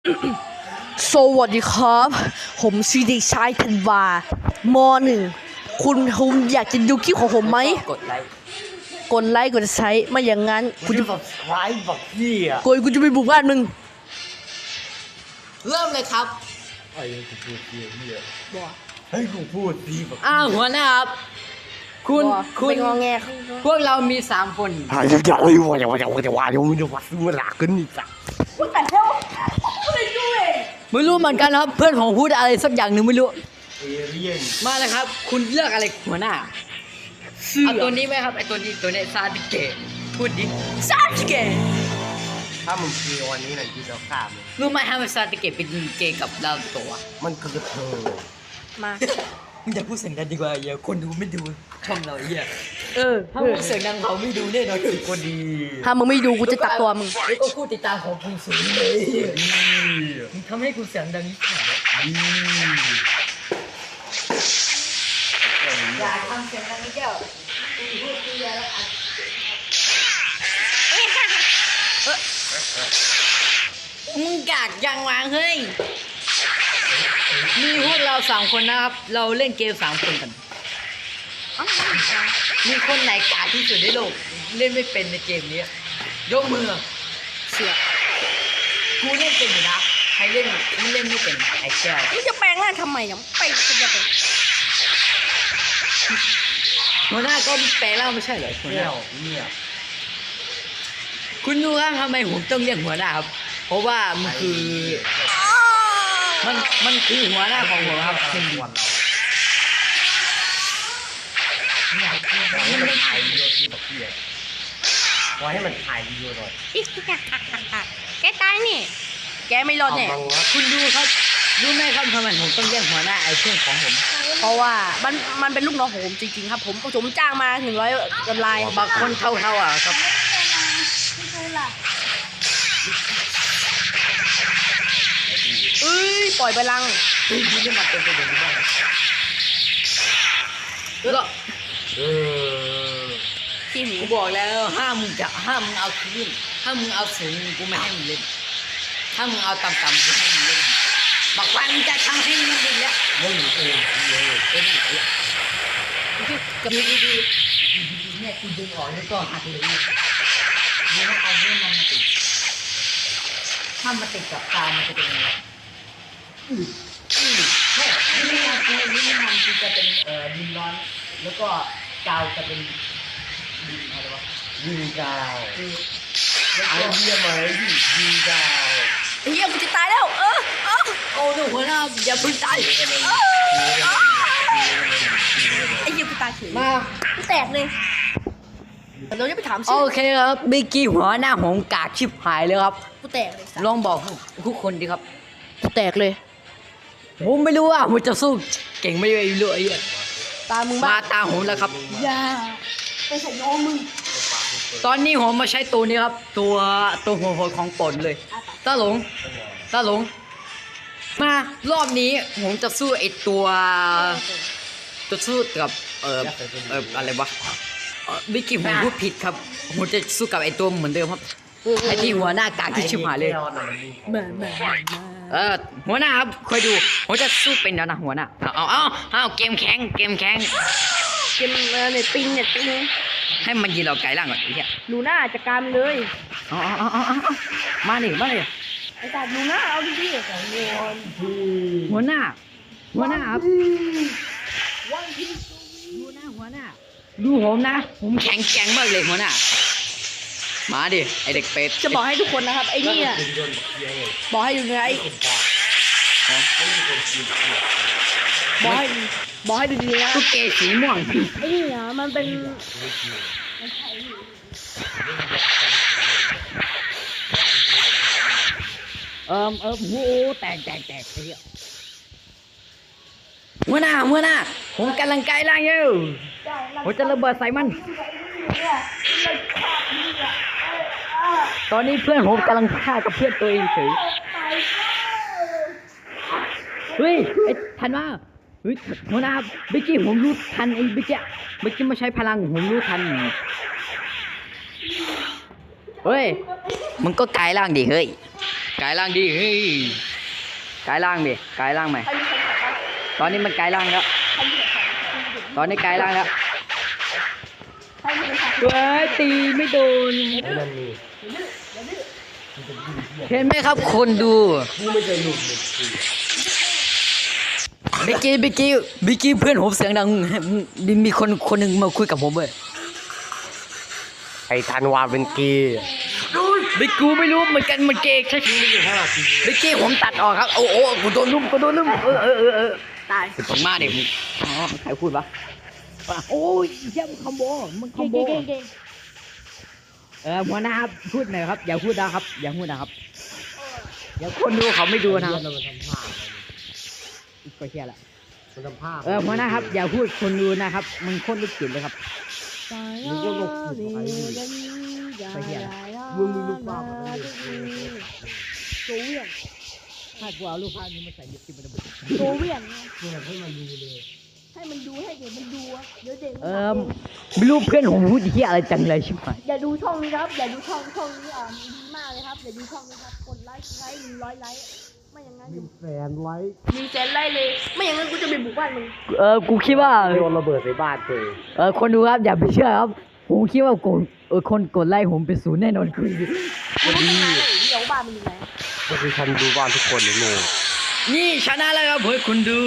สวัสดีครับผมชื่อเด็กชายธันวาม.1 คุณอยากจะดูคลิปของผมไหมกดไลค์กดใช้ไม่อย่างนั้นกูจะ subscribe บอกพี่อ่ะกูจะไปบุกบ้านมึงเริ่มเลยครับไอ้กูพูดเสียเนี่ยบ่ให้กูพูดดีแบบหัวหน้าครับคุณไม่งอแงพวกเรามี3 คนหายใจเลยว่าจะว่าจะไม่ได้ว่าซื้อหลักกันอีกสักไม่รู้เหมือนกันครับ เพื่อนผมพูดอะไรสักอย่างหนึ่งไม่รู้เอเลี่ยนมาเลยครับ คุณเลือกอะไรหัวหน้าเอาตัวนี้ไหมครับไอตัวนี้ซาดิเกะพูดดิซาสเกะถ้ามึงเกย์วันนี้หน่อยกูจะฆ่ามึงรู้ไหมฮะว่าซาดิเกะเป็นเกย์กับเราตัวมันคือเธอมามึงอย่าพูดเสียงดังดีกว่าอย่าคนดูไม่ดูช่องเราไอ้เหี้ยถ้าพูดเสียงดังเขาไม่ดูแน่นอนเลยก็ดีถ้ามึงไม่ดูกูจะตัดตัวมึงแล้วก็พูดติดตามของคุณสูงเลยมึงทำให้กูเสียงดังนิดหน่อยอย่าทำเสียงดังนิดเดียวพูดเยอะแล้วอัดมึงกากยังวางเฮ้ยมีพวกเรา3 คนนะครับ เราเล่นเกม3 คนกันมีคนไหนกากที่สุดในโลกเล่นไม่เป็นในเกมนี้ยกมือเสือกกูเล่นเป็นอยู่นะใครเล่นไม่เล่นไม่เป็นไอ้แก้วมึงจะแปลงร่างทำไมอ่ะไปจะไปหัวหน้าก็แปลแล้วไม่ใช่เหรอหัวหแก้น้าวเนี่ยคุณรู้ครับทำไมผมต้องเรียกหัวหน้าครับเพราะว่ามันคือมันคือหัวหน้าของผมครับเช่นเดียวให้มันถ่ายวีดีโอที่แบบเพี้ยขอให้มันถ่ายวีดีโอหน่อยแกตายนี่แกไม่รอดแน่คุณดูครับรู้ไหมครับทำไมผมต้องเรียกหัวหน้าไอ้เพื่อนของผมเพราะว่ามันเป็นลูกน้องของผมจริงๆครับผมจ้างมา100 กำไรบางคนเท่าอ่ะครับเอ้ยปล่อยไปลังคุณดูนี่มันเป็นไปอย่างนี้บ้างแล้วก็เออขี้หมีกูบอกแล้วห้ามมึงเอาคืนถ้ามึงเอาสูงกูไม่ให้มึงเล่นถ้ามึงเอาต่ำๆกูให้มึงเล่นบอกว่ามึงจะทำให้มึงเล่นแล้วมึงเองเลยกับดีเนี่ยกูดึงออกแล้วก็หักเลยนี่ต้องเอาเรื่องมันมาติดถ้ามันติดกับตามันจะเป็นยังไงใช่นี่มันคือจะเป็นดินร้อนแล้วก็กาวจะเป็นดินอะไรวะยิงดาวแล้วไอ้ก็เหี้ยไหมยิงดาวไอ้เหี้ยกูจะตายแล้วโอ้หนูหัวหน้าอย่าพึ่งตายไอ้เหี้ยกูตายเฉยมากูแตกเลยเราจะไปถามโอชื่อเคครับเมื่อกี้หัวหน้าของกากชิบหายเลยครับกูแตกเลยสัสลองบอกทุกคนดิครับกูแตกเลยผมไม่รู้ว่าผมจะสู้เก่งไม่รู้ไอ้เหี้ยตามึงมาบ้าตาผมแล้วครับอย่าไปใส่น้องมึงตอนนี้ผมมาใช้ตัวนี้ครับ ตัวหัวโหดของปนเลยตาหลงมารอบนี้ผมจะสู้ไอตัวสู้กับอะไรวะวิกิผมพูดผิดครับผมจะสู้กับไอตัวเหมือนเดิมครับไอที่หัวหน้ากากที่ชิบหายเลยมาหัวหน้าครับคอยดูผมจะสู้เป็นแล้วนะหัวหน้าเอาเกมแข็งเกมเน็ตปิงให้มันยิงเราไกลล่างก่อนไอ้เหี้ยลูน่าจัดการเลยเอามาดิไอ้สัสลูน่าเอาดิหัวหน้าครับวันพีหัวหน้าดูผมนะ ผมแข็งแกร่งมากเลยหัวหน้ามาดิไอเด็กเป็ดจะบอกให้ทุกคนนะครับไอ้เนี่ยบอกให้ดูนะไอ้บอกให้ดูดีนะตุ๊กเกสีม่วงไอ้เนี่ยมันเป็นโหแตกไอ้เหี้ยหัวหน้าผมกำลังไกลล่างอยู่ผมจะระเบิดใส่มัน ตอนนี้เพื่อนผมกำลังฆ่ากับเพื่อนตัวเองเฉยเฮ้ยไอ้ทันว่าเฮ้ยหัวหน้าเมื่อกี้ผมรู้ทันไอ้เมื่อกี้มาใช้พลังผมรู้ทันเฮ้ยมึงก็กลายร่างดิเฮ้ยกายร่างดิเฮ้ยกายร่างดิกายร่างใหม่ใครมีใครขับบ้างตอนนี้มันกายร่างแล้วใครมีใครขับตอนนี้กายร่างแล้วใครมีใครขับเว้ยตีไม่โดนไอ้นั่นนี่เห็นไหมครับคนดูกูไม่เคยหลุดเลยกูบิกกี้เพื่อนผมเสียงดังมีคนหนึ่งมาคุยกับผมเว้ยไอ้ธันวาเป็นเกย์บิกกูไม่รู้เหมือนกันมันเกย์ใช่ไม่อยู่5 นาทีบิกกี้ผมตัดออกครับโอ้กูโดนลุ่มตายตกมาเด็กอ๋อใครพูดวะโอ้ยเยี่ยมคอมโบมึงคอมโบเก่งหัวหน้าครับพูดหน่อยครับอย่าพูดนะครับอย่าพูดนะครับเดี๋ยวคนดูเขาไม่ดูนะครับมันทำผ้าก็เชี่ยละมันทำผ้าหัวหน้าครับอย่าพูดคนดูนะครับมึงโคตรลูกจิตเลยครับมึงก็ลงผิดไปมึงมีลูกบ้าอะไรโซเวียนถ้ากูเอารูปภาพนี้มาใส่ลิปสติกมันจะบุโซเวียนมึงให้มันดูเลยให้มันดูให้เด็กมันดูอะเดี๋ยวเด็กมันไม่รู้เพื่อนผมพูดที่อะไรจังเลยใช่ไหมอย่าดูช่องนี้ครับอย่าดูช่องนี้ดีมากเลยครับอย่าดูช่องนี้ครับกดไลค์100 ไลค์ไม่อย่างนั้นมีแฟนไลค์มีแสนไลค์เลยไม่อย่างนั้นกูจะไปบุกบ้านมึงกูคิดว่าโยนระเบิดใส่บ้านตัวเองคนดูครับอย่าไปเชื่อครับผมคิดว่าคนกดไลค์ผมเป็นศูนย์แน่นอนคือกูรู้ตั้งนานแล้วเดี๋ยวบ้านมึงอยู่ไหนก็คือฉันดูบ้านทุกคนเลยโง่นี่ชนะแล้วครับเพื่อนคุณดู